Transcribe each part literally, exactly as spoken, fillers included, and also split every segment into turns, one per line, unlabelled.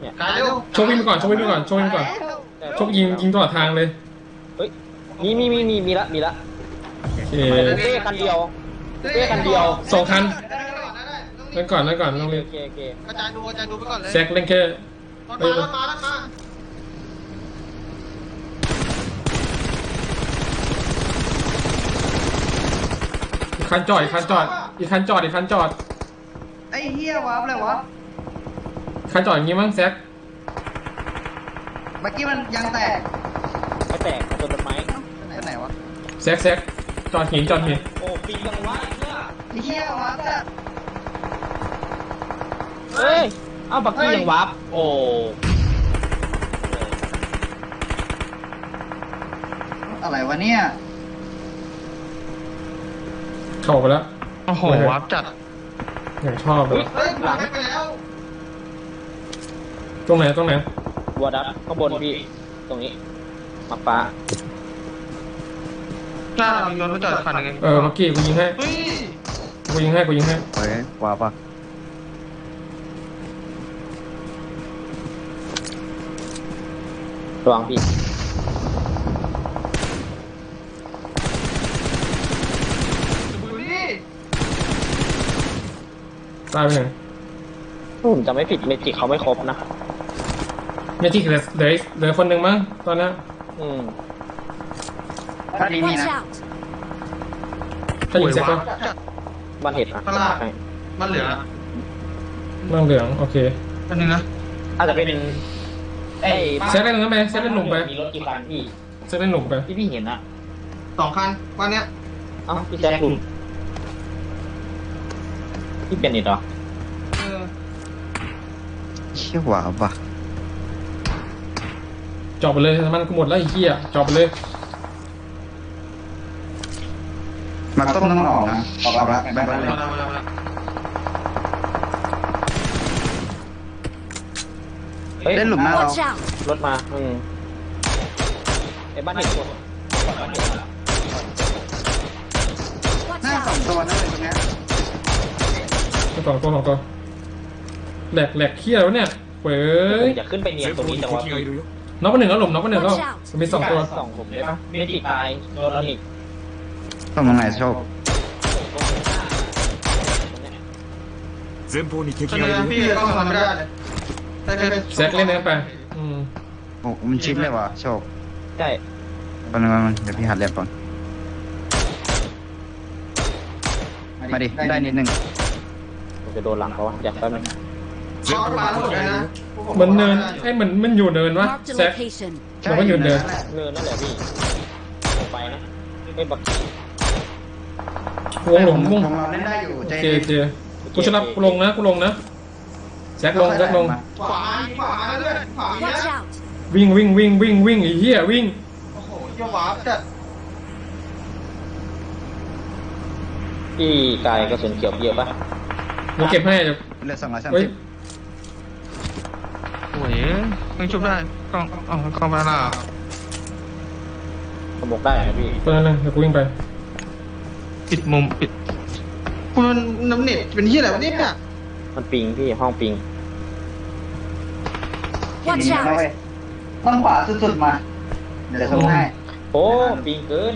เนี่ย
โชควิ่งไปก่อนโชควิ่งไปก่อนโชควิ่งไปก่อนโชคยิงยิงตลอดทางเลย
เฮ้ยมีมีมีมีมีละมีละ
โอเค
เป้คันเดียวเป้คันเดียว
สองคันนั่นก่อนนั่นก่อนต้องเล่น
โอเคโอเค
กระจายดูกระจายดูไปก่อนเลย
แซกเล่นแค่
รถมารถมารถมา
อีกคันจอดอีกคันจอดอีกคันจอดอีกคันจอด
ไอ้เหี้ยวะอะไรวะ
คันจอดอย่างงี้มั้งแซก
เมื่อกี้มันยังแตก
ไม่แตกจนต้นไม้
ไปไหนวะ
แซกแซกจอดหินจอดหิน
โอ้ปียังวะ
ไอ้เหี้ยวะแต่
เฮ้ยเอ้าบักกี้ยังวับโอ้
อะไรวะเนี่ย
เข้าไปแล้ว
โอ้โหวับจัด
อย่างชอบเลย
เฮ้ยหลังไปแล้ว
ตรงไหนตรงไหน
บัวดับข้างบนพี่ตรงนี้มาฟ้า
หน้าเราย้อนไปจอดคันยังไง
เออเมื่อกี้กูยิงให้กูยิงให้กูยิงให้
เฮ้ยว้าปะ
ระวังพี่
ตายไปหนึ่ง
ผมจะไม่ผิดเมจิกเขาไม่ครบนะ
เมจิกเหลือเหลือเหลือคนหนึ่งมั้งตอนนี้
อืม
ถ้าดีมีนะ
ถ้ายิงเสร็จก็
บ้านเห็ดนะ
มันเหลือ
นั่งเหลืองโอเค
อันนึงนะ
อาจจะเป็นไอ้
เซตเล่นนั้นไปเซตเล่นหนุ่มไป
มีรถกี่คันพี่
เซตเล่นหนุ่มไป
ที่พี่เห็นอะ
สองคันวันเนี้ย
เอ้าพี่แจ็คคุณพี่เป็นอีกเหรอ
เชี่ยว้าปะ
จอบไปเลยมันกูหมดแล้วไอ้เหี้ยจอบไปเลย
มันต้องต้องออกนะออกละแบงค์เลยเล่นหลุมหน้าเรา
รถมาอืมไอ้บ้านเห็ดคน
หน้าสองตัวนั่นเลยตรงเนี้ย
สองตัวสองตัวแหลกแหลกเขี้ยวเนี่ยเว้ย
อย่าขึ้นไปเนียนตรงนี้จังหวะ
น็อกไปหนึ่งแล้วหลุมน็อกไปหนึ่งแล้วมีสองตัว
สองผมได้ปะเมจิตายโดนแล้วอีก
ต้องตรงไหนโชค
前方に敵がいるพี่ก็ทำไม่ได้เลย
แซกเล่นนั้นไปอืม
โอ้มันชิดเลยวะโชค
ใช่
ตอนนึงมันเดี๋ยวพี่หัดเรียบก่อนมาดิได้นิดนึง
ผมจะโดนหลังเขาอยากแป๊บนึง
มันเนินไอ้เหมือนมันอยู่เนินวะแซกมันก็อยู่เนิน
เนินนั่นแหละพี่ไปนะไอ้บัก
วงหลุมวง
เล่นได้อยู่
เจเจกูชนะกูลงนะกูลงนะแซกลงแซกลง
ขวาขวาเลื่อนขวาเนี้ย
วิ่งวิ่งวิ่งวิ่งวิ่งไอ้เหี้ยวิ่ง
โอ้โหเยอะวับจัด
พี่กายกระสุนเขียวเยอะปะ
กูเก็บให้เดี๋ยว
เหลือสองร้อยสาม
สิบ
โอ้ยยังชุบได้กล้องอ๋อกล้องมาหน้า
สมกได้นะพี่
ตอนนั้นเลยเดี๋ยวกูวิ่งไป
ปิดมุมปิดมันน้ำเน็ตเป็นที่อะไรวะเนี่ย
มันปิงพี่ห้องปิง
ต้องขวาสุดๆมาเดี๋ยวส่งให้
โอ้ปิงเกิน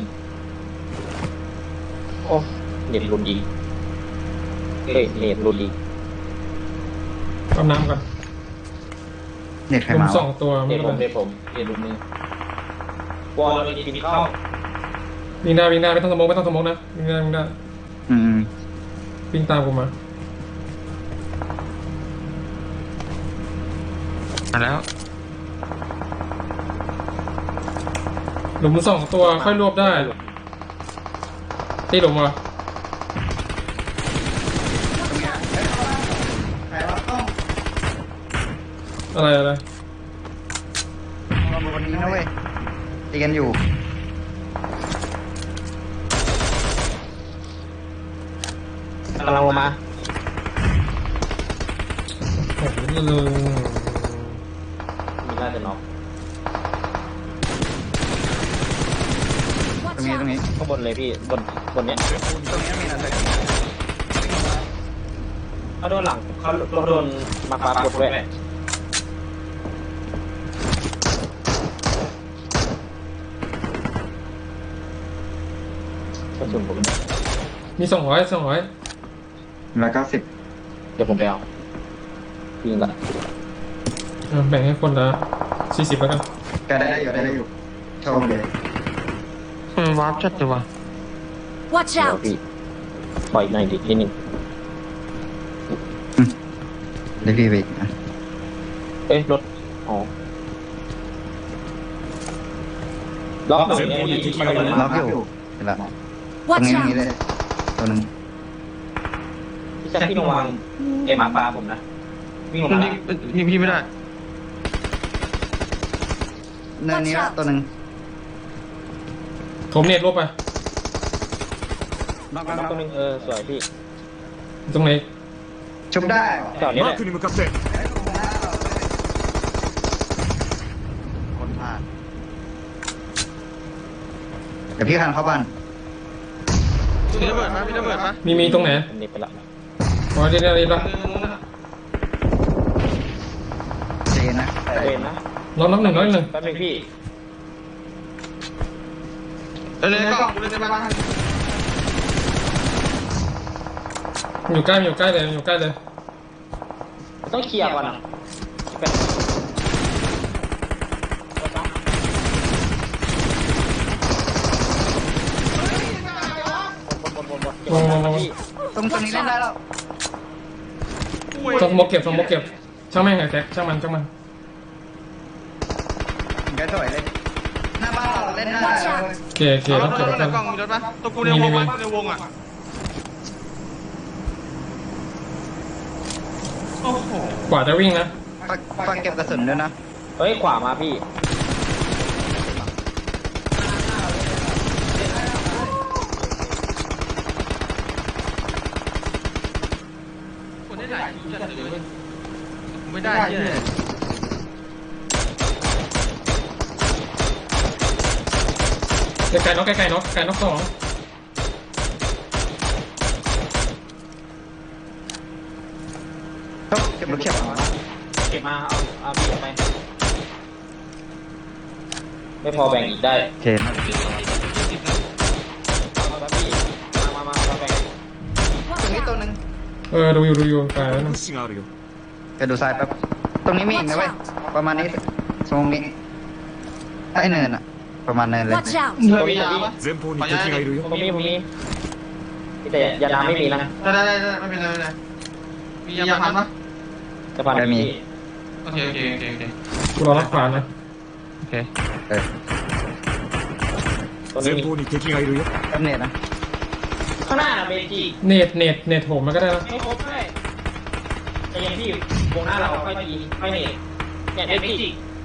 โอ้เน็ตรุนอีกเฮ้ยเน็ตรุนอีก
เอาน้ำก่อน
เน็ตใครมา
สองตัว
เน็ตผมเน็ตผมเน็ตรุนมือวอลเลยปิงเข้า
วิ่งหน้าวิ่งหน้าไม่ต้องสมองไม่ต้องสมองนะวิ่งหน้าวิ่งหน้า
อืม
วิ่งตามกูมา
แล้ว
หลุมสองตัวค่อยรวบได้ตีหลุมวะอะไรอะไร
วันนี้นะเว้ยตีกันอยู่
กำลังลงมา
โอ้โห
มีน่าจะน็อก
ตรงนี้ตรงนี้
ข้างบนเลยพี่บนบนเนี้ย
ตรงนี้มีอะไร
เขาโดนหลังเขาโดนมาปาปดด้วยระสุนผม
มีสองร้อยสองร้อย
แล้วก็สิบ
เดี๋ยวผมไปเอายิงก่อน
แบ่งให้คนละสี่สิบแล้วกัน
ก็ได้อยู่ได้อยู่โชว์เลย
มันวาร์ปจัดเลยว่ะ
Watch
เดี๋ยว
out!
พี่ปล่อยในดินิดนึง
ได้พี่ไปอีกนะ
เอ้ยรถอ๋อล็อกหน่อยเนี่ยพี่ไปเลย
ล็อกอยู่เห็นละตรง
Watch
นี้ตรงนี้
out!
เลยตัวหนึ่ง
พี่แจ็คพี่ระวังเอ็มอาร์ปลาผมนะวิ่งลง
มัน
มา
ยิงยิงพี่ไม่ได้
เนินนี้ละตัวหนึ่ง
ผมเน็ตลบไป
ล็อก
ล็
ล็
อ
อก ก
ตัวนึงเออสวยพี่
ตรงไหน
ชุบได้เหรอ
จอดนี้แหละ
คนพลาดเดี๋ยวพี่คันเข้าบ้าน
มีระเบิดปะมีระเบิดปะ
มีมีตรงไหน
ผมนิบไปละ
อ๋อเดี๋ยวเดี๋ยวเดี๋ยว
เจนนะ
เวนนะ
ล็อกน็อกหนึ่งล็อกหนึ่ง
แป๊บนึงพี่
เเลยๆก็กูเลยในบ้าน
อยู่ใกล้อยู่ใกล้เลยอยู่ใกล้เลย
ต้องเคลียร์ก่อนนะเป็นบนบนบนบนเก็บไว้นะพี่
ตรงตรงนี้เล่นได้แล้ว
สมกเก็บสมกเก็บช่างแม่งไอ้แจ็คช่างมันช่างมัน
แกสวยเลยหน้าบ้านเราเล่นได้
โอเคโอเค
เอาร
ต้อ
ถ
งเก็บ
ร
แล้วกัน
ถในกล้องมีรถปะตัวกูในวงปะในวงอ่ะโอ้โห
กว่าจะวิ่งนะ
ฝากฝากเก็บกระสุนด้วยนะ
เฮ้ยขวามาพี่
คนได้หลายชุดจัดเลยไม่ได้ที่ไหน
ไกลๆน็อกไกลๆน็อกไกลน็อกสอง
เก็บลูกเข็บมา
เก็บมาเอาเอาพี่เอาไปไม่พอแบ่งอีกได้
โอเค
เอาแล้วพี่มามามามาแบ่ง
ตรงนี้ตัวหนึ่ง
เออดูอยู่ดูอยู่ตายแล้วนะ
แกดูซ้ายแป๊บตรงนี้มีอีกนะเว้ยประมาณนี้ตรงนี้ไอ้เนินอะประมาณเนินเลย
Watch out!
เธอมียาปะ
前方に敵がいるよ
ผมมีผมมีแต่ยาน้ำไม่มีนะ
ได้ได้ได้ไม่เป็นไรไม่เป็นไรมียาพันปะ
จะพันพี่
โอเคโอเคโอเคโอเค
กูรอรับขวานนะ
โอเค
เออ
ตัวนี้
前
มี
方に敵がいるよ
แป๊บเน็ตนะ
ข้างหน้าน่ะเบจิ
เน็ตเน็ตเน็ตโถมมันก็ได้นะ
ไม่ครบด้วยแต่ยังพี่วงหน้าเราค่อยยิงค่อยเน็ตเนี่ยเบจิ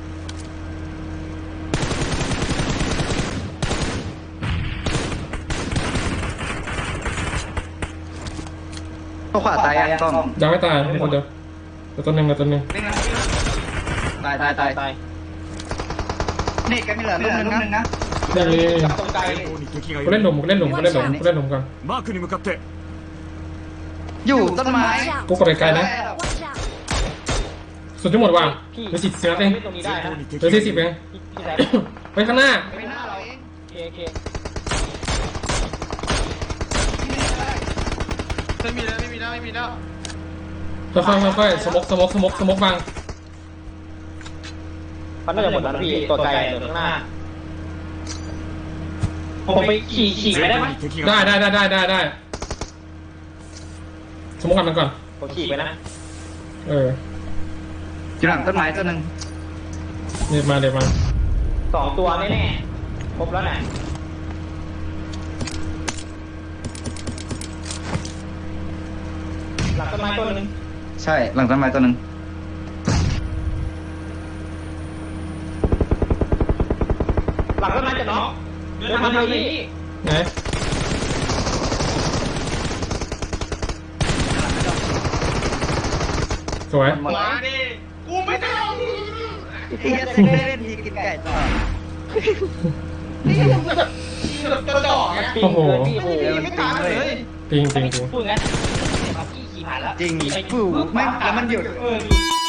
ตัวขวาตายยังกล้อง
ยังไม่ตายมีคนเดียวแต่ตัวหนึ่งแต่ตัวหนึ่ง
ตายตายตายตายนี่แกมีเหลือลูกนึงนะ
นี่นี่นี่
ตรงไกล
前方に敵がい
กูเล่นห
る
ลุมกูเล่นหลุมกูเล่นหลุมกูเล่นหลุมก่อน
マークに向かって
อยู่ต้นไม้
Watch out!
กูกดไกลๆนะ
Watch out!
สุดที่หมดว่ะ
พี่
เหลือสิบสิบนัดเอง
ตรงนี้ได้
前
นะ
方に
เหลือ
敵
สี่
が
สิบ
い
เอ
る
ง
พี่แซม
ไปข้างหน้า
ไม่น่าเราเอง
โอเคโอเค
ไม่มีแล้วไม่มีแล้วไม่มีแล้ว
ค่อยๆค่อยๆสมกสมกสมกสมกบัง
เขาน่าจะหมดแล้วนะพี่ตัวไกลเหลือข้างหน้าผมไปขี่ขี่ไปได้ไหม
前方に敵
ได้
がいる
ได้ได้ได้ได้ได้สมกกันมันก่อน
ผมขี่ไปนะ
เออ
อยู่หลังต้นไม้ตัวหนึ่ง
เดี๋ยวมาเดี๋ยวมา
สองตัวแน่ๆครบแล้วนะหลังต้นไม้ตัวหนึง
ใช่หลังต้นไม้ตัวหนึ่ง
หลังต้นไม้จะน็อกเดินมาทางนี้
ไหนสวย
มาดิกูไม่ได้
ไอ้เหี้ยเซ็กได้เล่นทีกินไก่ต่อ
กระจอกอ่ะ
ปิงเลยพี่โอ้โห
ไม่ตายเลย
จริงจริงจริง
พูดงั้นเอาพี่ขี่ผ่านแล้ว
จริง
ขี่ไป
ฟูไม่แล้วมันหยุด
เออ